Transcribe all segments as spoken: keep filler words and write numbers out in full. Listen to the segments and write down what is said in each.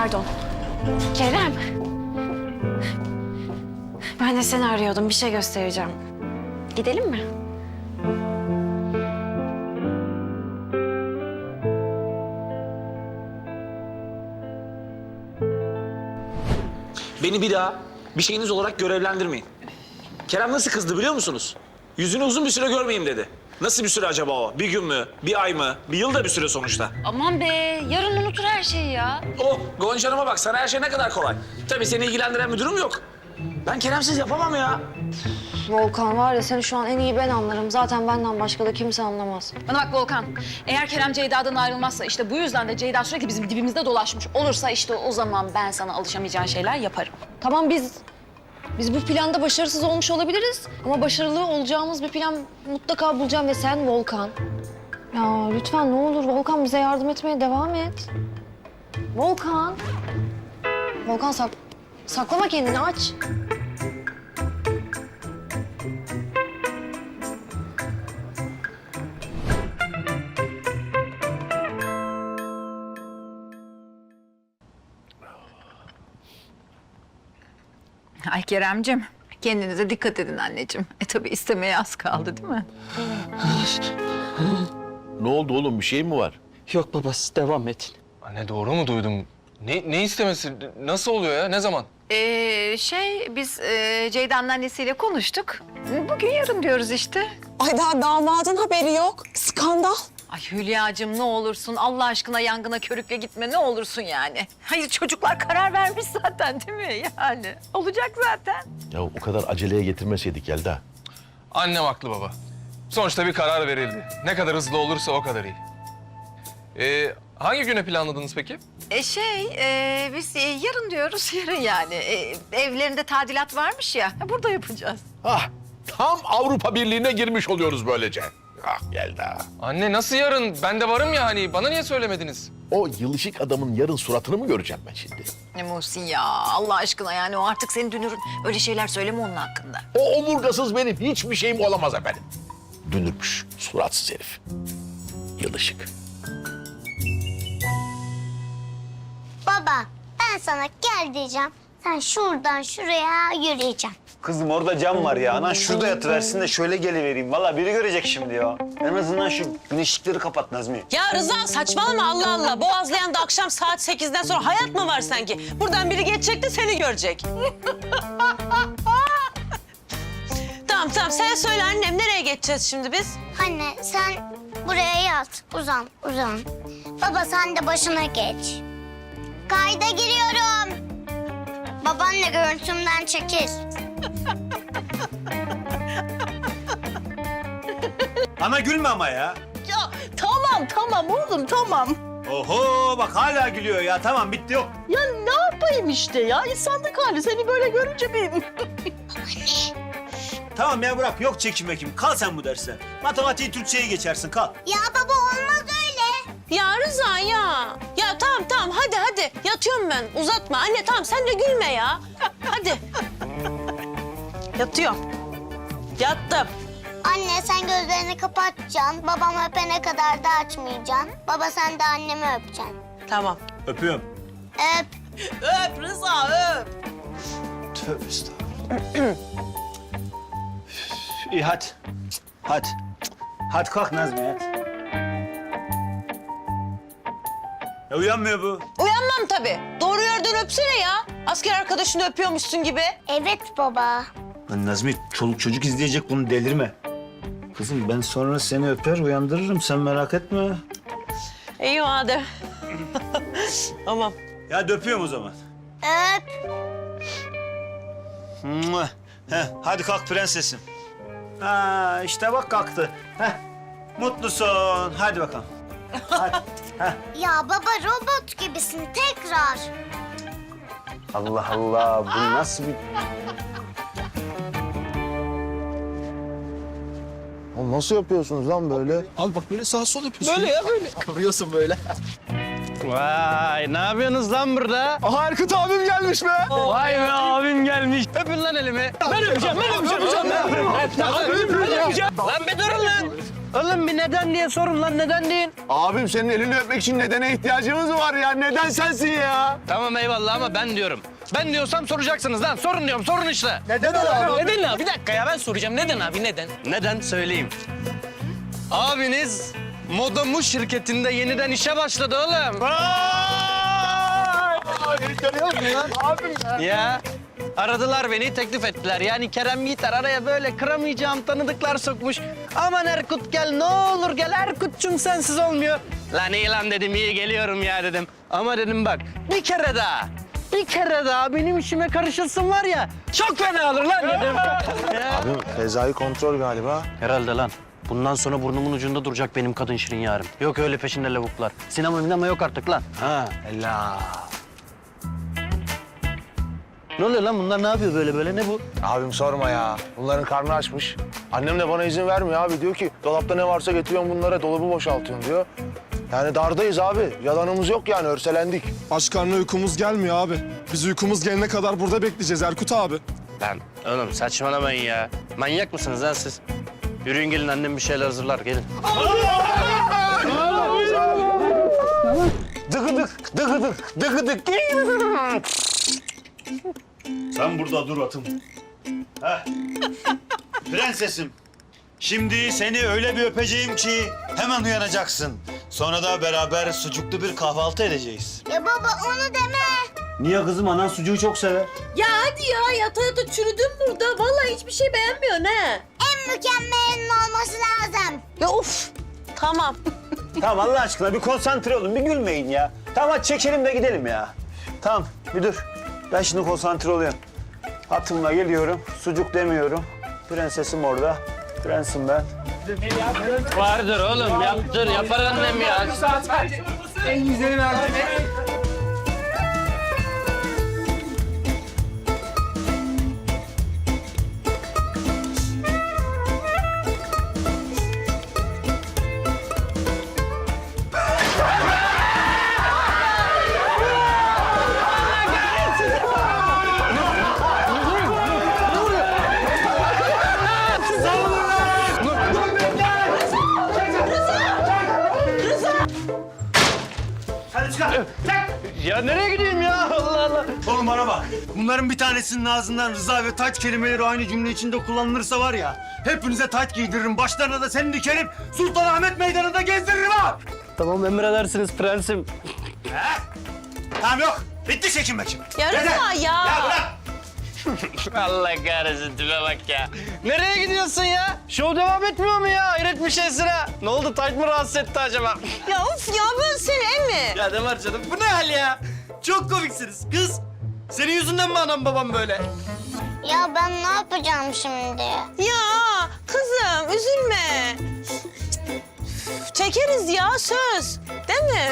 Pardon. Kerem. Ben de seni arıyordum. Bir şey göstereceğim. Gidelim mi? Beni bir daha bir şeyiniz olarak görevlendirmeyin. Kerem nasıl kızdı biliyor musunuz? Yüzünü uzun bir süre görmeyeyim dedi. Nasıl bir süre acaba o? Bir gün mü? Bir ay mı? Bir yıl da bir süre sonuçta. Aman be, yarın unutur her şeyi ya. Oh, Gonca Hanım'a bak, sana her şey ne kadar kolay. Tabii seni ilgilendiren bir durum yok. Ben Kerem'siz yapamam ya. Volkan var ya, seni şu an en iyi ben anlarım. Zaten benden başka da kimse anlamaz. Bana bak Volkan, eğer Kerem Ceyda'dan ayrılmazsa işte bu yüzden de Ceyda sürekli bizim dibimizde dolaşmış olursa işte o zaman ben sana alışamayacağın şeyler yaparım. Tamam, biz biz bu planda başarısız olmuş olabiliriz. Ama başarılı olacağımız bir plan mutlaka bulacağım ve sen Volkan. Ya lütfen ne olur Volkan, bize yardım etmeye devam et. Volkan. Volkan sak saklama kendini, aç. Ay Keremcim, kendinize dikkat edin anneciğim. E tabii istemeye az kaldı değil mi? Ne oldu oğlum, bir şey mi var? Yok babası, devam et. Anne doğru mu duydum? Ne, ne istemesi? Nasıl oluyor ya? Ne zaman? Ee, şey, biz e, Ceyda'nın annesiyle konuştuk. Bugün yarın diyoruz işte. Ay daha damadın haberi yok. Skandal. Ay Hülya'cığım ne olursun Allah aşkına yangına körükle gitme ne olursun yani. Hayır çocuklar karar vermiş zaten değil mi yani? Olacak zaten. Ya o kadar aceleye getirmeseydik Yelda. Annem haklı baba. Sonuçta bir karar verildi. Ne kadar hızlı olursa o kadar iyi. Ee, hangi güne planladınız peki? E şey, e, biz e, yarın diyoruz yarın yani. E, evlerinde tadilat varmış ya, burada yapacağız. Ah, tam Avrupa Birliği'ne girmiş oluyoruz böylece. Ah Yelda. Anne nasıl yarın? Ben de varım ya hani. Bana niye söylemediniz? O yılışık adamın yarın suratını mı göreceğim ben şimdi? Ne Muhsin ya Allah aşkına yani o artık senin dünürün. Öyle şeyler söyleme onun hakkında. O omurgasız benim hiçbir şeyim olamaz efendim. Dünürmüş, suratsız herif. Yılışık. Baba, ben sana gel diyeceğim. Sen şuradan şuraya yürüyeceksin. Kızım orada cam var ya. Anan şurada yatıversin de şöyle gelivereyim. Vallahi biri görecek şimdi ya. En azından şu güneşlikleri kapat Nazmi. Ya Rıza saçmalama Allah Allah. Boğazlayan'da akşam saat sekizden sonra hayat mı var sanki? Buradan biri geçecek de seni görecek. Tamam tamam sen söyle annem nereye geçeceğiz şimdi biz? Anne sen buraya yat. Uzan, uzan. Baba sen de başına geç. Kayda giriyorum. Babaanne görüntümden çekil. Ana gülme ama ya. Ya tamam tamam oğlum tamam. Oho bak hala gülüyor ya. Tamam bitti yok. Ya ne yapayım işte ya insanlık hali seni böyle görünce benim. Tamam ya bırak. Yok çekim mekim. Kal sen bu derse. Matematiği Türkçe'ye geçersin. Kal. Ya baba olmaz öyle. Ya Rıza ya. Ya tamam tamam hadi hadi yatıyorum ben uzatma. Anne tamam sen de gülme ya. Hadi. Yatıyorum. Yattım. Anne sen gözlerini kapatacaksın. Babam öpene kadar da açmayacaksın. Baba sen de annemi öpeceksin. Tamam. Öpüyorum. Öp. Öp Rıza öp. Tövbe estağfurullah. İyi hadi. Hadi. Hadi kalk Nazmi hadi. Ya uyanmıyor bu. Uyanmam tabii. Doğru yerden öpsene ya. Asker arkadaşını öpüyormuşsun gibi. Evet baba. Lan Nazmi çoluk çocuk izleyecek bunu delirme. Kızım ben sonra seni öper uyandırırım sen merak etme. İyi madem. Tamam. Ya öpüyorum o zaman. Öp. Mua. Heh, hadi kalk prensesim. Ha işte bak kalktı. Heh. Mutlusun. Hadi bakalım. Hadi. Heh. Ya baba robot gibisin tekrar. Allah Allah bu nasıl bir... Oğlum nasıl yapıyorsunuz lan böyle? Abi bak böyle sağ sol yapıyorsun. Böyle ya böyle. Kıvırıyorsun böyle. Vay ne yapıyorsunuz lan burada? Aha Erkut abim gelmiş be. Vay be abim gelmiş. Öpün lan elimi. Ben öpeceğim, ben öpeceğim. Ben öpeceğim. Ben öpeceğim. Lan bir durun lan. Oğlum bir neden diye sorun lan, neden deyin. Abim senin elini öpmek için nedene ihtiyacımız var ya. Neden sensin ya? Tamam eyvallah ama ben diyorum. Ben diyorsam soracaksınız lan. Sorun diyorum, sorun işte. Neden abi? Neden abi? Bir dakika ya, ben soracağım. Neden abi, neden? Neden? Söyleyeyim. Abiniz Modamu şirketinde yeniden işe başladı oğlum. Ya aradılar beni, teklif ettiler. Yani Kerem Yiğiter araya böyle kıramayacağım tanıdıklar sokmuş. Aman Erkut gel, ne olur gel Erkut'cum, sensiz olmuyor. Lan iyi lan dedim, iyi geliyorum ya dedim. Ama dedim bak, bir kere daha, bir kere daha benim işime karışılsın var ya, çok fena olur lan dedim. Abim Fezai kontrol galiba. Herhalde lan. Bundan sonra burnumun ucunda duracak benim kadın şirin yarim. Yok öyle peşinde lavuklar. Sinema minema yok artık lan. Ha. Ella. Ne oluyor lan, bunlar ne yapıyor böyle böyle, ne bu? Abim sorma ya. Bunların karnı açmış. Annem de bana izin vermiyor abi. Diyor ki dolapta ne varsa getiriyorsun bunlara, dolabı boşaltıyorsun diyor. Yani dardayız abi. Yalanımız yok yani, örselendik. Aç karnına uykumuz gelmiyor abi. Biz uykumuz gelene kadar burada bekleyeceğiz Erkut abi. Lan oğlum saçmalamayın ya. Manyak mısınız lan siz? Yürüyün gelin, annem bir şeyler hazırlar, gelin. Dıgıdık, dıgıdık, dıgıdık. Sen burada dur atım. Heh. Prensesim. Şimdi seni öyle bir öpeceğim ki hemen uyanacaksın. Sonra da beraber sucuklu bir kahvaltı edeceğiz. Ya baba onu deme. Niye kızım? Anan sucuğu çok sever. Ya hadi ya, yata yata çürüdün burada. Vallahi hiçbir şey beğenmiyorsun ha. En mükemmelinin olması lazım. Ya of. Tamam. Tamam Allah aşkına bir konsantre olun, bir gülmeyin ya. Tamam hadi çekelim de gidelim ya. Tamam bir dur. Ben şimdi konsantre oluyorum. Atımla geliyorum, sucuk demiyorum. Prensesim orada, prensim ben. Vardır oğlum, yaptır, yapar annem ya. Hadi çıkar. Ya nereye gidiyorsun ya, Allah Allah. Oğlum bana bak. Bunların bir tanesinin ağzından Rıza ve taç kelimeleri aynı cümle içinde kullanılırsa var ya, hepinize taç giydiririm. Başlarına da seni dikerim. Sultanahmet Meydanı'nda gezdiririm ha. Tamam emredersiniz prensim. Tamam yok. Bitti çekim bakayım. Ya Rıza ya. Ya bırak. Allah kahretsin, tipe bak ya. Nereye gidiyorsun ya? Şov devam etmiyor mu ya? Hayret bir şey sıra. Ne oldu, taç mı rahatsız etti acaba? Ya of ya, ben seni emmi. Ya ne var canım, bu ne hal ya? Çok komiksiniz kız. Senin yüzünden mi anam babam böyle? Ya ben ne yapacağım şimdi? Ya kızım üzülme. Çekeriz ya, söz. Değil mi?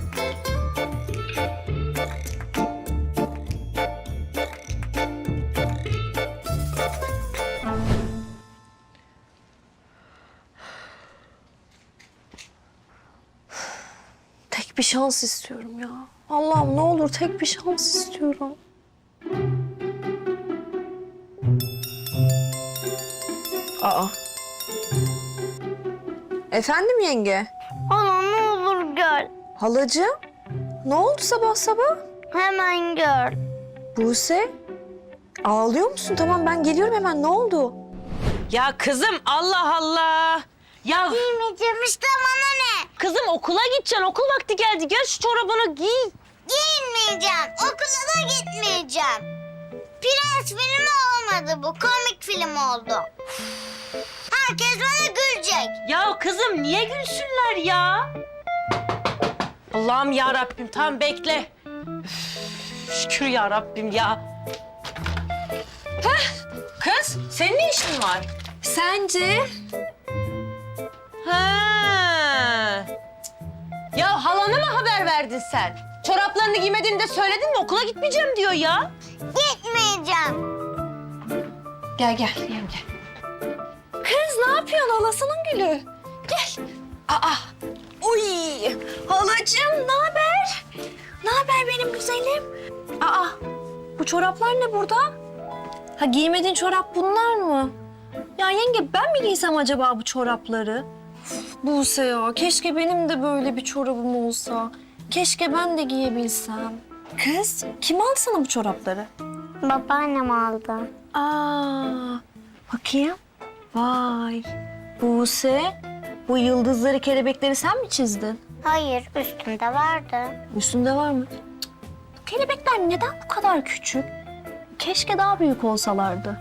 Tek bir şans istiyorum ya. Allah'ım ne olur tek bir şans istiyorum. Aa. Efendim yenge? Hala ne olur gel. Halacığım? Ne oldu sabah sabah? Hemen gel. Buse? Ağlıyor musun? Tamam ben geliyorum hemen. Ne oldu? Ya kızım Allah Allah. Ya Giymeyeceğim işte, bana ne? kızım okula gideceksin. Okul vakti geldi. Gel şu çorabını giy. Giyinmeyeceğim. Okula da gitmeyeceğim. Prens filmi olmadı bu. Komik film oldu. Herkes bana gülecek. Ya kızım niye gülsünler ya? Allah'ım ya Rabbim, tamam bekle. Üf, şükür ya Rabbim ya. Heh, kız senin ne işin var? Sence? Ha. Ya halana mı haber verdin sen? Çoraplarını giymediğini de söyledin mi? Okula gitmeyeceğim diyor ya. Gitmeyeceğim. Gel gel yenge. Kız ne yapıyorsun halasının gülü? Gel. Aa. Uy. Halacığım ne haber? Ne haber benim güzelim? Aa. Bu çoraplar ne burada? Ha giymediğin çorap bunlar mı? Ya yenge ben mi giysem acaba bu çorapları? Buse ya, keşke benim de böyle bir çorabım olsa. Keşke ben de giyebilsem. Kız, kim aldı sana bu çorapları? Babaannem aldı. Aa, bakayım. Vay. Buse, bu yıldızları, kelebekleri sen mi çizdin? Hayır, üstünde vardı. Üstünde var mı? Cık, bu kelebekler neden bu kadar küçük? Keşke daha büyük olsalardı.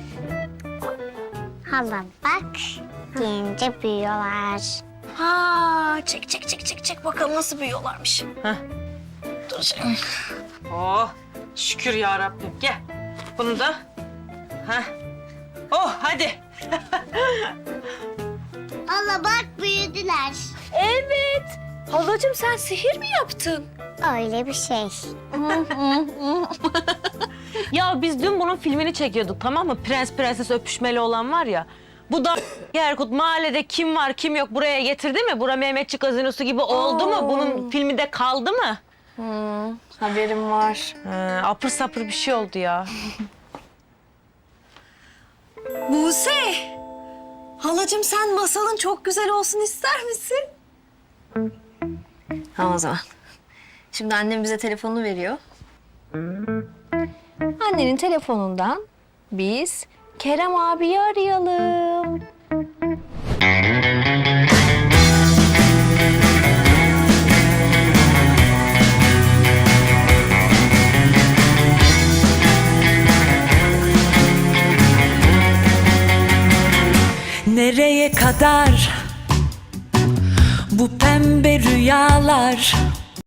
Hala bak, deyince büyüyorlar. Ha, çek çek çek çek çek bakalım nasıl büyüyorlarmış. Dur canım. Oh şükür ya Rabbim. Gel. Bunu da. Heh. Oh hadi. Hala bak, büyüdüler. Evet. Halacığım sen sihir mi yaptın? Öyle bir şey. Ya biz dün bunun filmini çekiyorduk, tamam mı? Prens prenses öpüşmeli olan var ya. Bu da Erkut mahallede kim var kim yok buraya getirdi mi? Bura Mehmetçik gazinosu gibi oldu mu? Bunun filmi de kaldı mı? Haberim var. Ee, apır sapır bir şey oldu ya. Buse. Halacığım sen masalın çok güzel olsun ister misin? Tamam o zaman. Şimdi annem bize telefonunu veriyor. Annenin telefonundan biz Kerem abiyi arayalım. Nereye kadar bu pembe rüyalar?